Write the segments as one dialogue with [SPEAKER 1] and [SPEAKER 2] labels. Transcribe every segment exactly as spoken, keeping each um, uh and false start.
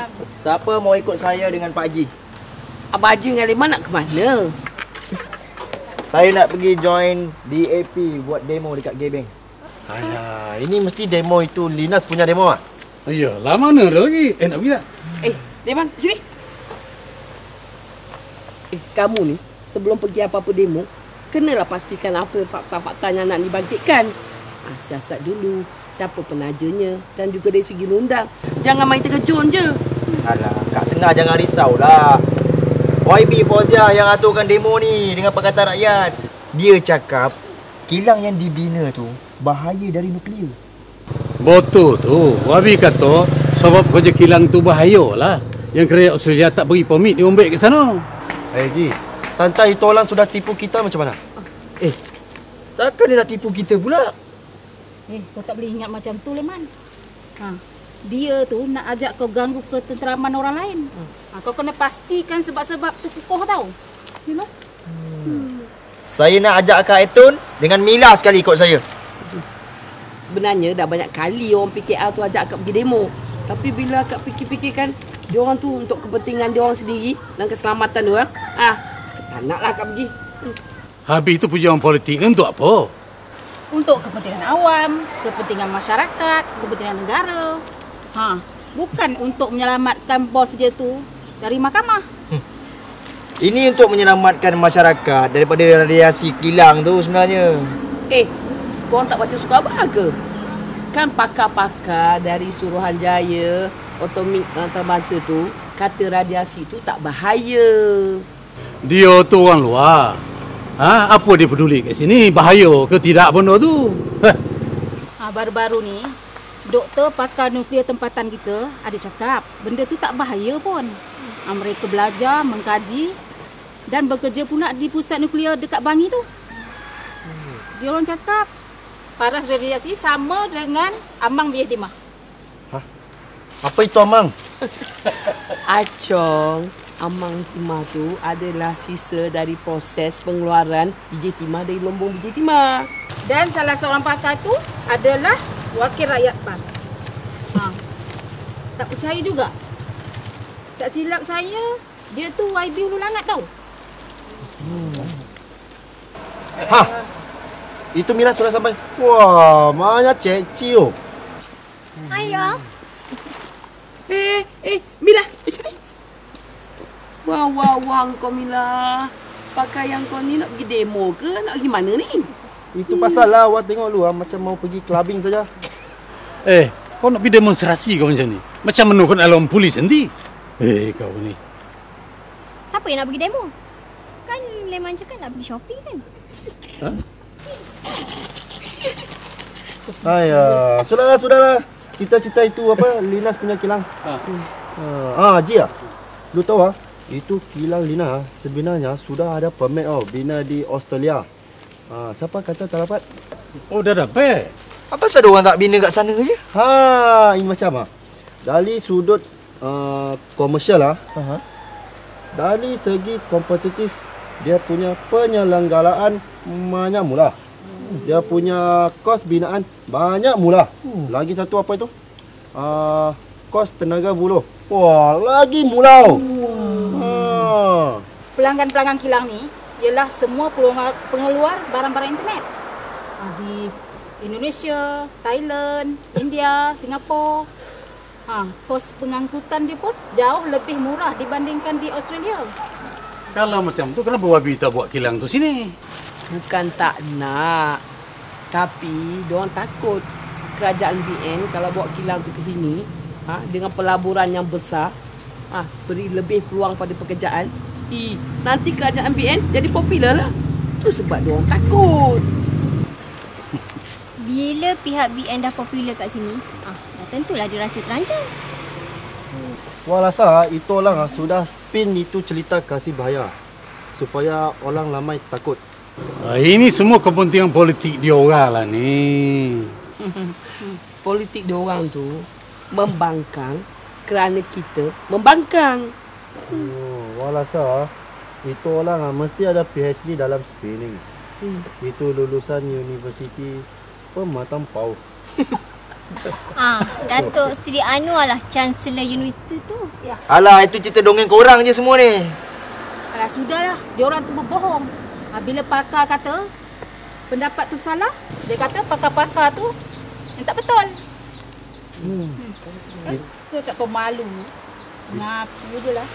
[SPEAKER 1] bang.
[SPEAKER 2] Siapa mau ikut saya dengan Pak Haji?
[SPEAKER 3] Abang Haji dengan Leman nak ke mana?
[SPEAKER 2] Saya nak pergi join D A P buat demo dekat Gebeng.
[SPEAKER 4] Alah, ini mesti demo itu Linas punya demo ah?
[SPEAKER 5] Iyalah, mana dah lagi? Eh, nak pergi tak?
[SPEAKER 3] Eh, Leman, sini. Eh, kamu ni sebelum pergi apa-apa demo, kenalah pastikan apa fakta-fakta yang nak dibangkitkan. Ah, siasat dulu, siapa penajanya dan juga dari segi undang. Jangan main terkejun je.
[SPEAKER 2] Alah, Kak Sengah jangan risaulah. Y B Fauzia yang aturkan demo ni dengan Pakatan Rakyat. Dia cakap kilang yang dibina tu bahaya dari nuklear.
[SPEAKER 5] Betul tu. Wabi kata sebab kerja kilang tu bahayalah. Yang kerajaan Australia tak beri permit dia ombek ke sana.
[SPEAKER 4] Eh Ji, Tanta itu orang sudah tipu kita macam mana?
[SPEAKER 2] Eh, takkan dia nak tipu kita pula?
[SPEAKER 1] Eh, kau tak boleh ingat macam tu, Leman. Ha, dia tu nak ajak kau ganggu ketenteraman orang lain. Ha, kau kena pastikan sebab-sebab tu kukuh tau. You know?
[SPEAKER 2] Hmm. Saya nak ajak Kak Etun dengan Mila sekali ikut saya.
[SPEAKER 3] Sebenarnya dah banyak kali orang P K R tu ajak akak pergi demo. Tapi bila akak fikir-fikirkan, dia orang tu untuk kepentingan dia orang sendiri dan keselamatan dia orang, ah, tak naklah akak pergi. Hmm.
[SPEAKER 5] Habis itu perjuangan politik ni untuk apa?
[SPEAKER 1] Untuk kepentingan awam, kepentingan masyarakat, kepentingan negara. Ha, bukan untuk menyelamatkan bos dia tu dari mahkamah.
[SPEAKER 2] Hmm. Ini untuk menyelamatkan masyarakat daripada radiasi kilang tu sebenarnya.
[SPEAKER 3] Eh, korang tak baca suka abang ke? Kan pakar-pakar dari Suruhanjaya Atomik Antarabangsa tu kata radiasi tu tak bahaya.
[SPEAKER 5] Dia tu orang luar. Ha, apa dia peduli kat sini? Bahaya ke tidak benda tu?
[SPEAKER 1] Ha, baru-baru ni doktor pakar nuklear tempatan kita ada cakap benda tu tak bahaya pun. Ha, mereka belajar, mengkaji dan bekerja pula di pusat nuklear dekat Bangi tu. Dia orang cakap paras radiasi sama dengan ambang biaya timah.
[SPEAKER 4] Hah? Apa itu ambang?
[SPEAKER 3] Acong, ambang timah tu adalah sisa dari proses pengeluaran biji timah dari lumbung biji timah.
[SPEAKER 1] Dan salah seorang pakar tu adalah wakil rakyat PAS. Ha. Tak percaya juga. Tak silap saya, dia tu Y B Hulu Langat tau.
[SPEAKER 4] Hmm. Ha. Itu Mila sudah sampai. Wah, mana Cik Cio.
[SPEAKER 6] Ayah.
[SPEAKER 3] Eh, eh, Mila, di sini. Wah, wah, wah, kau Mila. Pakai yang kau ni nak pergi demo ke? Nak pergi mana ni?
[SPEAKER 4] Itu pasal lah, awak tengok lu macam mau pergi clubbing saja.
[SPEAKER 5] Eh, kau nak pergi demonstrasi kau macam ni? Macam menukar alam polis nanti. Eh, kau ni.
[SPEAKER 6] Siapa yang nak pergi demo? Kan Leman cakap nak pergi shopping kan?
[SPEAKER 5] Ha?
[SPEAKER 4] Ayah, sudahlah, sudahlah. Cita-cita itu apa? Linas punya kilang.
[SPEAKER 5] Ha.
[SPEAKER 4] Uh, ah, Haji ah. Lu tahu ah, itu kilang Lina sebenarnya sudah ada permit oh bina di Australia. Ah, siapa kata tak dapat?
[SPEAKER 5] Oh, dah dapat.
[SPEAKER 2] Apa pasal orang tak bina kat sana je?
[SPEAKER 4] Ha, ini macam ah. Dari sudut uh, komersial ah. Uh-huh. Dari segi kompetitif dia punya penyelenggaraan banyak mula. Dia punya kos binaan banyak mula. Hmm. Lagi satu apa itu? Uh, kos tenaga buruh. Wah, lagi mula. Wow. Ha.
[SPEAKER 1] Pelanggan-pelanggan kilang ni ialah semua pengeluar barang-barang internet. Di Indonesia, Thailand, India, Singapura. Ha, kos pengangkutan dia pun jauh lebih murah dibandingkan di Australia.
[SPEAKER 5] Kalau macam tu, kenapa Wabi tak buat kilang tu sini?
[SPEAKER 3] Bukan tak nak. Tapi diorang takut kerajaan B N kalau bawa kilang tu ke sini, ha, dengan pelaburan yang besar, ha, beri lebih peluang pada pekerjaan, i, nanti kerajaan B N jadi popular lah. Tu sebab diorang takut.
[SPEAKER 6] Bila pihak B N dah popular kat sini, ah, dah tentulah dia rasa terancam.
[SPEAKER 4] Hmm. Wah rasa itu orang sudah spin itu cerita kasih bahaya supaya orang ramai takut.
[SPEAKER 5] Ah, ini semua kepentingan politik dia orang lah ni.
[SPEAKER 3] Politik dia orang tu membangkang kerana kita membangkang.
[SPEAKER 4] Oh, wah rasa itu orang mesti ada P H D dalam spinning. Hmm. Itu lulusan universiti pematang pau.
[SPEAKER 6] Ah, Datuk Seri Anwar lah Chancellor Universiti tu.
[SPEAKER 2] Alah, itu cerita dongeng korang je semua ni.
[SPEAKER 1] Alah, sudahlah. Dia orang tu berbohong. Ha, bila pakar kata pendapat tu salah, dia kata pakar-pakar tu yang tak betul. Hmm. Eh, ke tak tahu malu. Ngaku je lah.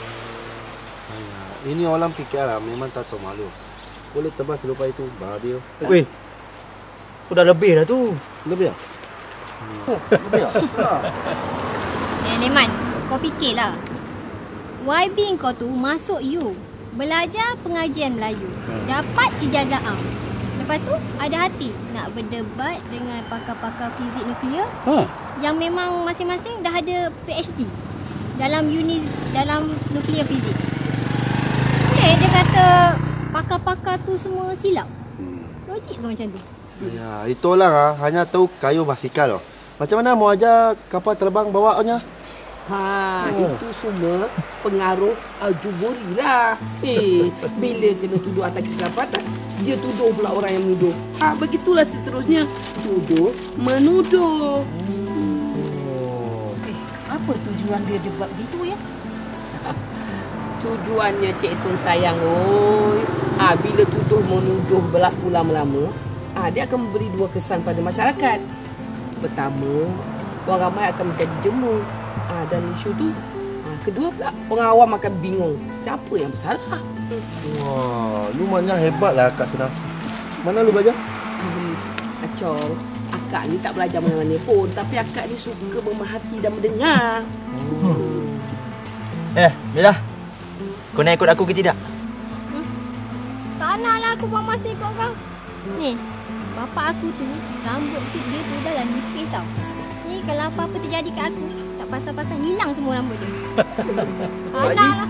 [SPEAKER 4] Ini orang fikir lah, memang tak tahu malu. Boleh tebas selupa itu, bahagia.
[SPEAKER 2] Weh, tu dah lebih dah tu.
[SPEAKER 4] Lebih tak? Hmm. Lebih tak?
[SPEAKER 6] Eh, Leman, kau fikirlah. Y B kau tu masuk U, belajar pengajian Melayu, dapat ijazah A. Lepas tu ada hati nak berdebat dengan pakar-pakar fizik nuklear
[SPEAKER 5] Ha.
[SPEAKER 6] yang memang masing-masing dah ada P H D dalam uni dalam nuklear fizik. Boleh dia kata pakar-pakar tu semua silap. Logik ke macam tu?
[SPEAKER 4] Ya, itu orang ah, hanya tahu kayu basikal loh. Macam mana mau aja kapal terbang bawanya?
[SPEAKER 3] Ha, oh. Itu semua pengaruh Al-Juburi lah. Eh, bila kena tuduh atas keselapatan, dia tuduh pula orang yang menuduh. Ah, ha, begitulah seterusnya. Tuduh, menuduh.
[SPEAKER 1] Oh. Eh, apa tujuan dia dia buat gitu ya?
[SPEAKER 3] Tujuannya Cik Tun sayang, oi. Ah, ha, bila tuduh menuduh berlaku lama-lama, ah, ha, dia akan memberi dua kesan pada masyarakat. Pertama, orang ramai akan menjadi jemu. Ah, dan isu tu, ah, kedua pula orang awam akan bingung siapa yang bersalah.
[SPEAKER 4] Wah, lu maknya hebat lah Kak Senang. Mana lu belajar?
[SPEAKER 3] Hmm, Acor, akak ni tak belajar mana-mana pun, tapi akak ni suka memerhati dan mendengar.
[SPEAKER 2] Hmm. Eh, Mila, kau nak ikut aku ke tidak?
[SPEAKER 6] Hmm? Tak nak lah aku buang masa ikut kau. Ni, bapak aku tu, rambut tu dia tu dah lah nipis tau. Ni kalau apa-apa terjadi kat aku, tak pasal-pasal hilang semua rambut dia. Tak nak lah.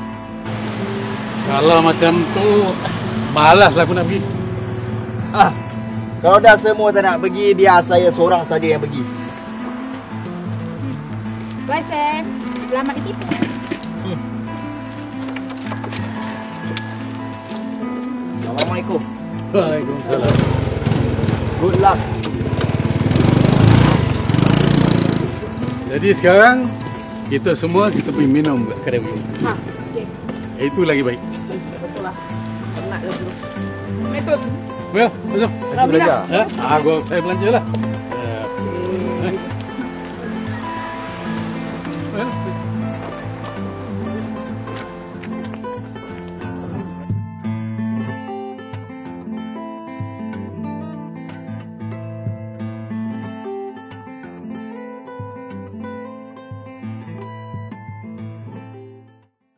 [SPEAKER 5] Kalau macam tu, malaslah aku nak pergi.
[SPEAKER 2] Ah, kalau dah semua tak nak pergi, biar saya seorang saja yang pergi.
[SPEAKER 1] Bye, Sam. Selamat ditipu.
[SPEAKER 2] Hmm. Assalamualaikum.
[SPEAKER 5] Waalaikumsalam.
[SPEAKER 2] Good luck.
[SPEAKER 5] Jadi sekarang, kita semua kita pergi minum kat kedai minum.
[SPEAKER 3] Ha, okey.
[SPEAKER 5] Itu lagi baik.
[SPEAKER 3] Betul lah. Penat lah dulu. Assalamualaikum.
[SPEAKER 5] Well, masuk.
[SPEAKER 3] Alhamdulillah.
[SPEAKER 5] Ha? Ah, gua saya belanja lah.